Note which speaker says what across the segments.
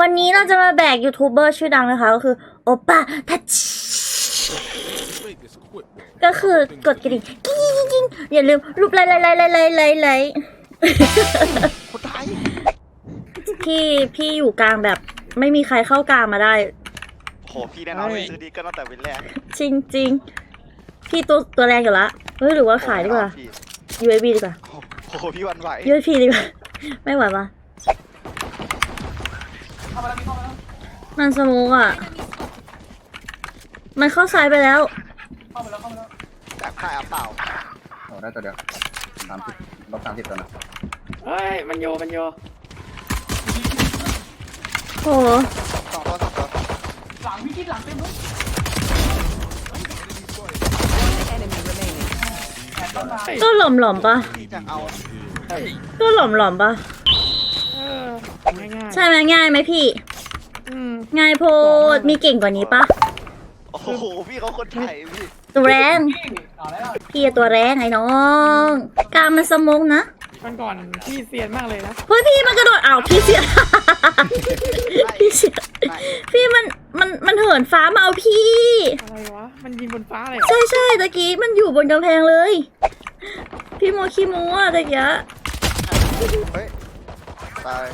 Speaker 1: วันนี้เราจะมาแบกยูทูบเบอร์ชื่อดังนะคะก็คือโอป้าทัชก็คือกดกระดิ่งกิ้งอย่าลืมรูปไลค์
Speaker 2: คนไทย
Speaker 1: พี่อยู่กลางแบบไม่มีใครเข้ากลางมาได้
Speaker 2: โหพี่แน่นอนเลยซื้อดีก็ตั้งแต่วินแรก
Speaker 1: จริงพี่ตัวแรงอยู่ละเฮ้ยหรือว่าขายดีกว่า UAV ดีกว่า
Speaker 2: โอ้โหพี่วันไหว
Speaker 1: UAV ดีกว่าไม่ไหวปะมันสมูกอ่ะมันเข้าซ้ายไปแล้ว
Speaker 2: จากค่ายเปล่า
Speaker 3: โอ้ได้ตัวเดียว30 ตัวนะ
Speaker 4: เฮ้ยมันโย
Speaker 1: โห
Speaker 2: สองตัว
Speaker 4: หลังวิกฤตหลังเต็มเลย
Speaker 1: ก็หล่อมปะ
Speaker 2: จะเอา
Speaker 1: ก็หล่อมปะ
Speaker 4: ง่าย
Speaker 1: ใช่ไหมง่ายไหมพี่ง่ายโพดมีเก่งกว่านี้ปะ
Speaker 2: โอ้โหพี่เขาคนไทยพี่
Speaker 1: ตัวแรงพี่ตัวแรงไอ้น้องกล้ามันสมองนะ
Speaker 4: มันก่อนพี่เซียนมากเลยนะ
Speaker 1: เฮ้ยพี่มันกระโดดอ้าวพี่เสียพี่มันเหินฟ้ามาเอาพี่
Speaker 4: อะไรวะมันยิงบนฟ้าเลย
Speaker 1: ใช่ตะกี้มันอยู่บนกำแพงเลยพี่โมขี้โม้อะตะกี้
Speaker 2: เฮ้ยตาย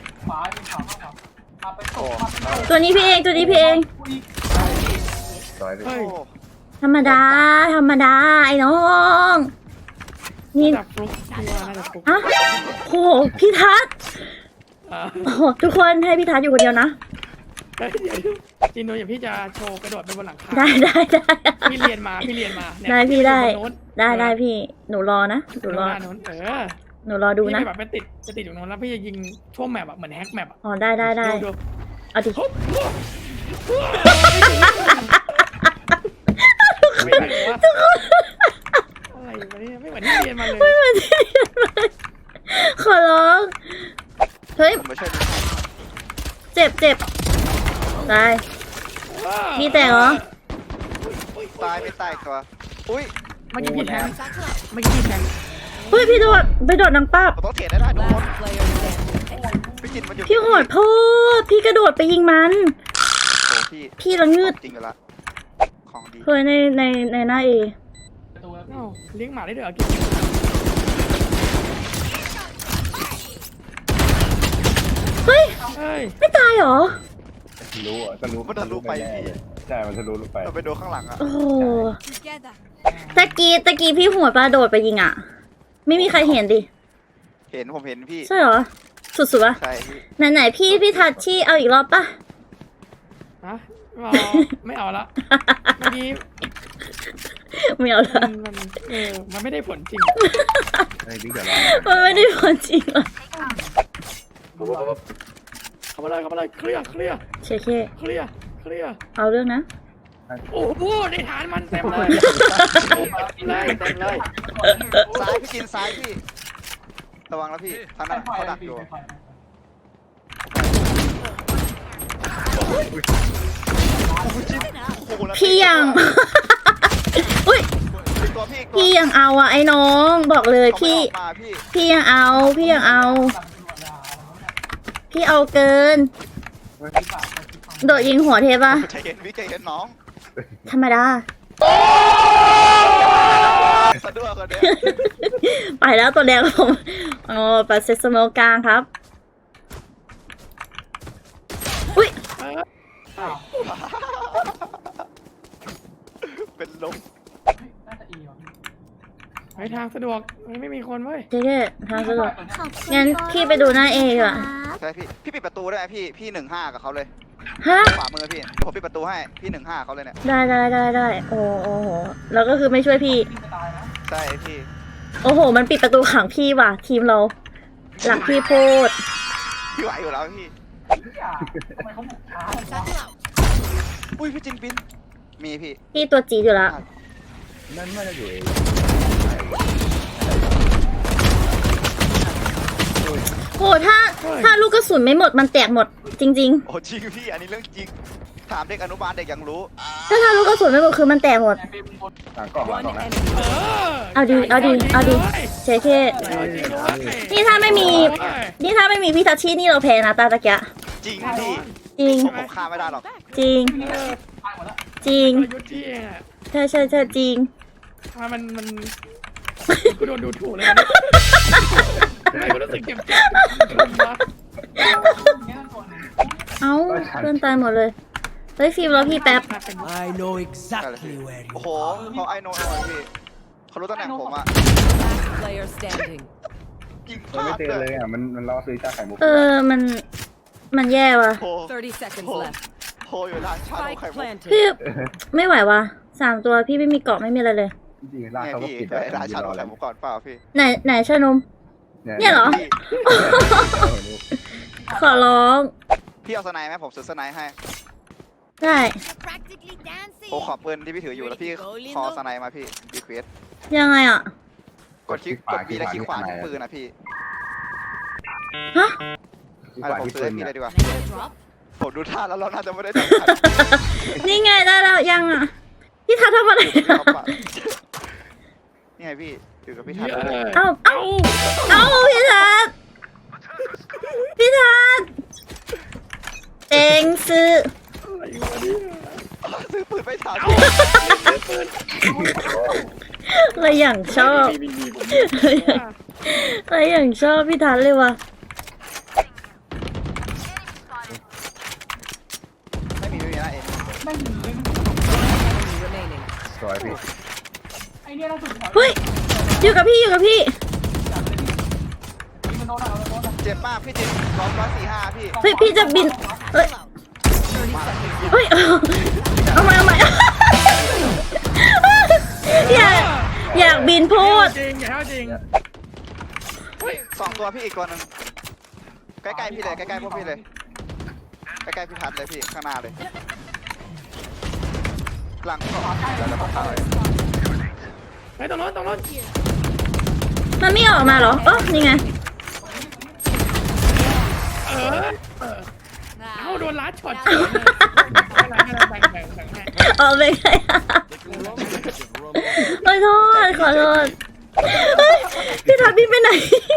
Speaker 1: ตัวนี้พี่เองธรรมดาไอ้น้องนี่อะโหพี่ทัศน์โอ้โหทุกคนให้พี่ทัศน์อยู่คนเดียวนะ
Speaker 4: จินโนอย่างพี่จะโชว์กระโดดไปบนหลังคา
Speaker 1: ได้
Speaker 4: พี่เรียนมา
Speaker 1: ได้พี่ได้พี่หนูรอนะหนูรอดูนะ
Speaker 4: แบบไปติดอยู่โน้นแล้วพี่จะยิงทั่วแมปแบบเหมือนแฮกแมป
Speaker 1: อ๋อได้เอาดิ
Speaker 4: อะไรวะเนี่ยไม่เหมือนที่เรียนมาเลย
Speaker 1: ขอร้องเฮ้ยเจ็บตายมีแต่เหรอ
Speaker 2: ตายไม่ตายตัวอุ้ย
Speaker 4: ไม่กี่แทง
Speaker 1: เฮ้ยพี่ไปโดดนังป้า
Speaker 2: ต้องเถียงได้ทุกคน
Speaker 1: พี่โหดโพดพี่กระโดดไปยิงมันพี่ละงืด
Speaker 2: จริงละของดี
Speaker 1: เคยในหน้าเอ
Speaker 4: เลี้ยงหมาได้ด้วย
Speaker 1: เฮ้ยไม่ตายเหรอ
Speaker 3: รู้
Speaker 2: มันทะลุไป
Speaker 3: ใช่มันทะลุไป
Speaker 2: เราไปโดนข้างหลังอ่ะ
Speaker 1: โอ้ตะกี้พี่หัวปลาโดดไปยิงอ่ะไม่มีใครเห็นดิ
Speaker 2: ผมเห็นพี่
Speaker 1: ใช่เหรอสุดๆวะ
Speaker 2: ใช่
Speaker 1: ไหนพี่ทัชชี่เอาอีกรอบป่ะ
Speaker 4: ฮะไม่เอาละเมื่อกี้
Speaker 1: ไม่เอาละ
Speaker 4: มันไม่ได้ผลจริง
Speaker 1: มันไม่ได้ผลจริงหรอ
Speaker 4: เข้ามาเลยเคลียร์เคลียร์
Speaker 1: เอาเรื่องนะ
Speaker 4: โอ้โหในฐานมันเต็มเลย
Speaker 2: ซ้ายพี่กินซ้ายพี่ระวังแล้วพี่ท่านนั้นเขาดักอยู่
Speaker 1: พี่ยังอุ้ยพี่ยังเอาอ่ะไอ้น้องบอกเลยพี่ยังเอาพี่เอาเกินโดดยิงหัวเทปะ
Speaker 2: ใจเย็นน้อง
Speaker 1: ธรรมดา
Speaker 2: สะดวกกว่าเดิม
Speaker 1: ไปแล้วตัวแดงผมปัดเซสโมกลางครับอุ้ย
Speaker 2: เป็นลม
Speaker 4: ไปทางสะดวกไม่มีคนเว้ย
Speaker 1: เจ๊ทางสะดวกงั้นพี่ไปดูหน้าเอก่อน
Speaker 2: ใช่พี่ปิดประตูได้ไหมพี่15กับเขาเลย
Speaker 1: ฮะ
Speaker 2: ขวามือพี่ผมปิดประตูให้พี่15เขาเลยเนี่ย
Speaker 1: ได้โอ้โหแล้วก็คือไม่ช่วยพี่
Speaker 2: ใช่พี่
Speaker 1: โอ้โหมันปิดประตูขังพี่ว่ะทีมเราหลักพี่โพด
Speaker 2: พี่ไหวอยู่แล้วพี่อุ้ยพี่จินปินมี
Speaker 1: พี่ตัวจีอยู่แล้ว
Speaker 3: นั่นไม่ได้อยู่เอง
Speaker 1: โหถ้าลูกกระสุนไม่หมดมันแตกหมดจริง
Speaker 2: โอ้จริงพี่อันนี้เรื่องจริงถามเด็กอนุบาลเด็กยังรู้
Speaker 1: ถ้าลูกกระสุนไม่หมดคือมันแตกหมดเอาดีเช่นี่ถ้าไม่มีพี่ทัชชี่นี่เราแพ้นะตาตะเกีย
Speaker 2: จริงพี่
Speaker 1: จริง
Speaker 2: ผมฆ่าไม่ได้หรอก
Speaker 1: จริง
Speaker 4: เออ
Speaker 1: จริง
Speaker 4: กลยุทธ์ที่เองอะ
Speaker 1: ใช่จริง
Speaker 4: มันกูโดนดูถูกเลยนะทำไมกูรู้สึกเจ็บวะ
Speaker 1: เอ้าเพื่อนตายหมดเลยเฮ้ยฟิล์มรอพี่แป๊บ
Speaker 5: I know exactly where
Speaker 2: โอ้
Speaker 5: you
Speaker 2: โหเขาไอโน่พี่เขารู้ตำแหน่งผมอ่ะ
Speaker 6: Player standing.
Speaker 2: ยิงพ
Speaker 3: มัน
Speaker 2: ลา
Speaker 3: ไม่
Speaker 2: ด
Speaker 3: เตือนเลยอ่ะมันล่อซื้อชาไข่มุก
Speaker 1: มันแย่ว่ะ
Speaker 2: โห
Speaker 6: 30 seconds left.
Speaker 2: โหอยู่ร้านชาโน
Speaker 6: Spike
Speaker 2: ไข่มุก
Speaker 6: planted.
Speaker 1: พี่ไม่ไหวว่ะ3 ตัวพี่ไม่มีเกาะไม่มีอะไรเลย
Speaker 3: จริงๆร้าน
Speaker 2: เนี่ย
Speaker 3: เขาก็
Speaker 2: พี่
Speaker 3: ปิด
Speaker 2: ไปร้านชาโนไข่มุกก่อนเปล่าพี่
Speaker 1: ไหนชานม เนี่ยเหรอ
Speaker 2: พี่
Speaker 1: ขอร้อง
Speaker 2: พี่เอาสไนด์ไหมผมซื้อสไนด์ให้
Speaker 1: ได้
Speaker 2: ผมขอปืนที่พี่ถืออยู่แล้วพี่คอสไนด์มาพี่รีเควส
Speaker 1: ยังไงอ่ะ
Speaker 2: กดบีและคลิกขวาที่ปืนนะพี่
Speaker 1: ฮะ
Speaker 3: ที่
Speaker 2: อะ
Speaker 3: ข
Speaker 2: ไร
Speaker 3: วา
Speaker 2: ผม
Speaker 3: ที่
Speaker 2: ซื้อ
Speaker 3: ปื
Speaker 2: ให้
Speaker 3: น
Speaker 2: พี่
Speaker 3: เนี่
Speaker 2: เลย ยดีกว่า ผมดูท่าแล้วเราน่าจะไม่ได้จับกัน
Speaker 1: นี่ไงได้แล้วยังอ่ะ พี่ทัศน์ทำอะไร
Speaker 2: นี่ไงพี่อยู่กับพี่ทัศน์
Speaker 1: เอ้าพี่ทัศน์เองซื้อ
Speaker 2: ซื้อปืนไม่ทัน
Speaker 1: อะไรอย่างชอบอะไรอย่างชอบพี่ทัศน์เลยว่ะ
Speaker 2: ไม่มีนะเอง
Speaker 6: Enemy remaining.
Speaker 3: สวยพี่
Speaker 1: เฮ้ยอยู่กับพี่
Speaker 2: เจ็บมากพี่เจ็บ145พี่
Speaker 1: เฮ้ยพี่จะบินเฮ้ยเอาใหม่อยากบินพูด
Speaker 4: จริงอย่าจริง
Speaker 2: 2 ตัวพี่อีกตัวนึงใกล้ๆพี่เลยใกล้ๆพวกพี่เลยใกล้ๆพี่ทัศน์เลยพี่ข้างหน้าเลยหลังก็แล้วก็เข้าเลย
Speaker 4: ไปตรงโน้น
Speaker 1: มันไม่ออกมาเหรอนี่ไง
Speaker 4: เอาโดนลัดช็อตแบ่งให้
Speaker 1: ออกไปไงขอโทษเฮ้ยพี่ทัศน์บินไปไหน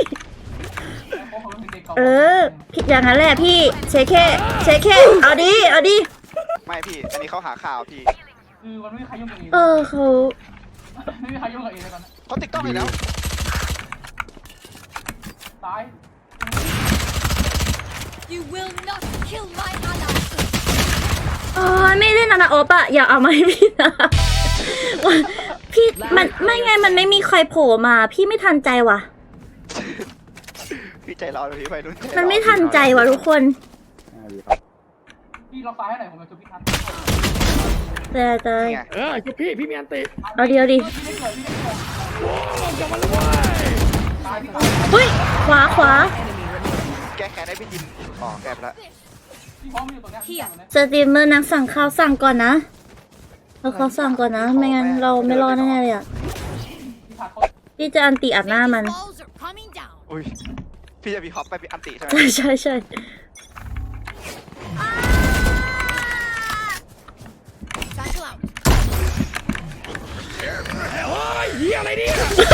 Speaker 1: พี่อย่างนั้นแหละพี่เช็คแค่เอาดิ
Speaker 2: ไม่พี่อันนี้เขาหาข่าวพี่
Speaker 7: มันไม่มีใครยุ่งกับเอง
Speaker 1: เขา
Speaker 7: ไม่มีใครยุ่งกับเองเลยตอนนี้
Speaker 2: เขาติดกล้องอีกแล้ว
Speaker 7: ตาย
Speaker 6: You will not kill my ally.
Speaker 1: ไม่เล่นนานาโอปะอย่าเอามาให้พี่นะพี่มันไม่ไงมันไม่มีใครโผล่มาพี่ไม่ทันใจว่ะ
Speaker 2: พี่ใจร้อนเลยพี่ไปนุ่น
Speaker 1: มันไม่ทันใจว่ะทุกคน
Speaker 7: พี่ล็อกซ้ายให้หน่อยผมจะจุดพี่ทัน
Speaker 1: แต่
Speaker 4: คือพี่มีอันติ
Speaker 1: เอาดิ
Speaker 7: พี่ไม่เกิดพี่ไม่เกิด
Speaker 4: กลับมาเลย
Speaker 7: ตายพี่ตาย
Speaker 1: เฮ้ยขวา
Speaker 2: แก้แค้นให้พี่จินอ๋อแก้ไปแล้ว
Speaker 7: พี่พร้อมอยู่ตรงเนี้ย
Speaker 1: สตรีมเมอร์นักสั่งข้าวสั่งก่อนนะเขาสั่งก่อนนะไม่งั้นเราไม่รอดแน่เลยอ่ะ
Speaker 7: พี่ทัดเขา
Speaker 1: พี่จะอันติอัดหน้ามัน
Speaker 6: Walls are coming down.
Speaker 2: อุ้ยพี่จะมีฮอปไปเป็นอันติใช่ไหม
Speaker 1: ใช่
Speaker 6: Battle out.
Speaker 4: โอ้ยเฮียอะไรเนี่ย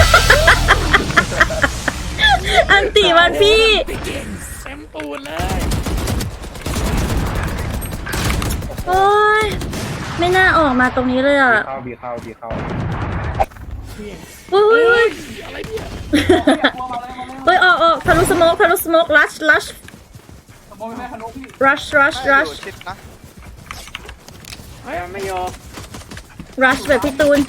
Speaker 1: อันติมันพี่
Speaker 4: เต็มตูนเลย
Speaker 1: โอ้ยไม่น่าออกมาตรงนี้เลยอ่ะ
Speaker 3: บีเข้า
Speaker 1: เฮ้ย
Speaker 4: อะไรเนี่ย
Speaker 7: กลัวมาเลยมาเลย
Speaker 1: เฮ้ยออกทะลุสโมกลัช
Speaker 7: สมมติไม่ทะลุพี่
Speaker 1: rush
Speaker 2: ชิดนะ
Speaker 4: เฮ้ยไม่ยอม
Speaker 1: rush แบบพี่ตูน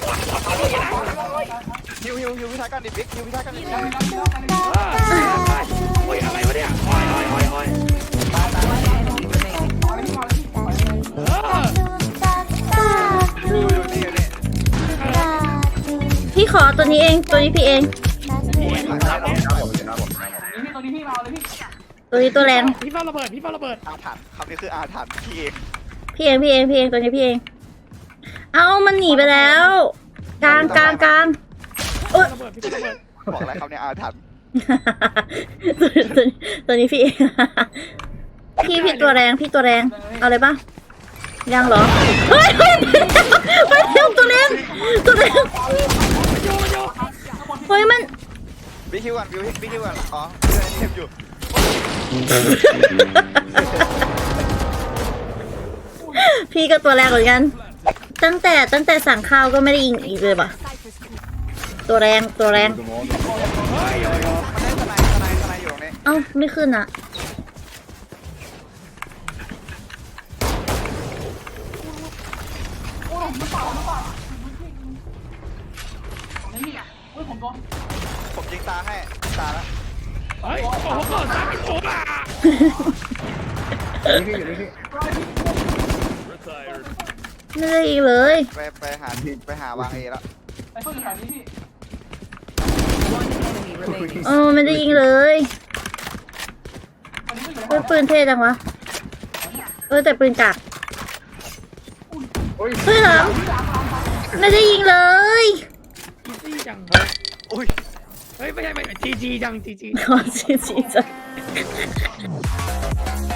Speaker 2: ฮิวพี่ทัศน์กันดิบิ๊กฮิวพี่ทัศน์กันดิ
Speaker 4: โอ้ยอะไรวะเนี่ยโอ้ย
Speaker 2: ฮิวนี่นี่
Speaker 1: พี่ขอตัวนี้พี่เอง
Speaker 7: นี่ตัวนี้พี่มาเลยพี่
Speaker 1: ตัวนี้ตัวแรง
Speaker 4: พี่เฝ้าระเบิด
Speaker 2: อาถรรพ์คำนี้คืออาถรรพ์พี่เอง
Speaker 1: พี่เองตัวนี้พี่เองเอามันหนีไปแล้วกลางเอ้ย
Speaker 4: ระเบิดพี่ระเบิด
Speaker 2: บอกอะไรคำนี้อาถรรพ์
Speaker 1: ตัวนี้พี่เองพี่ตัวแรงเอาเลยปะยังเหรอเฮ้ยตัวแรงเฮ้ยมัน
Speaker 2: บิ๊กฮิวก่อนอ๋อเทปอยู่
Speaker 1: พี่ก็ตัวแรกเหมือนกัน ตั้งแต่สั่งข้าวก็ไม่ได้ยิงอีกเลยป่ะ
Speaker 6: Cypher's creep.
Speaker 1: ตัวแรงตัวแรง
Speaker 4: เฮ้ยโยโย่
Speaker 2: มันได้สไนอยู่ตรงนี้
Speaker 1: เอ้าไม่ขึ้นอ่ะ
Speaker 7: โอ้ยผมเปล่านี่พี่โอ้ยผมโดน
Speaker 2: ผมยิงตาให้ตาแล้ว
Speaker 4: เฮ้ยโอ้โหก่อนซ้ำอีกโอ้ล่ะ
Speaker 3: นี่พี่อยู่นี่พี่
Speaker 1: ไม่ได้อีกเลย
Speaker 2: ไปหาวางเอแล้ว
Speaker 7: ไอ้เพื่อนอยู่แถวนี้พี่
Speaker 6: One enemy remaining.
Speaker 1: ไม่ได้ยิงเลย
Speaker 7: อันนี้ก็อยู่
Speaker 1: เฮ้ยปืนเท่จังวะแต่ปืนกาก
Speaker 3: โอ้ย
Speaker 1: เฮ้ยเหรอไม่ได้ยิงเลย
Speaker 4: อีซี่จัง
Speaker 2: อุ้ย
Speaker 4: เฮ้ยไม่ใช่จีจีจังจีจี
Speaker 1: ขอจีจีจ้ะ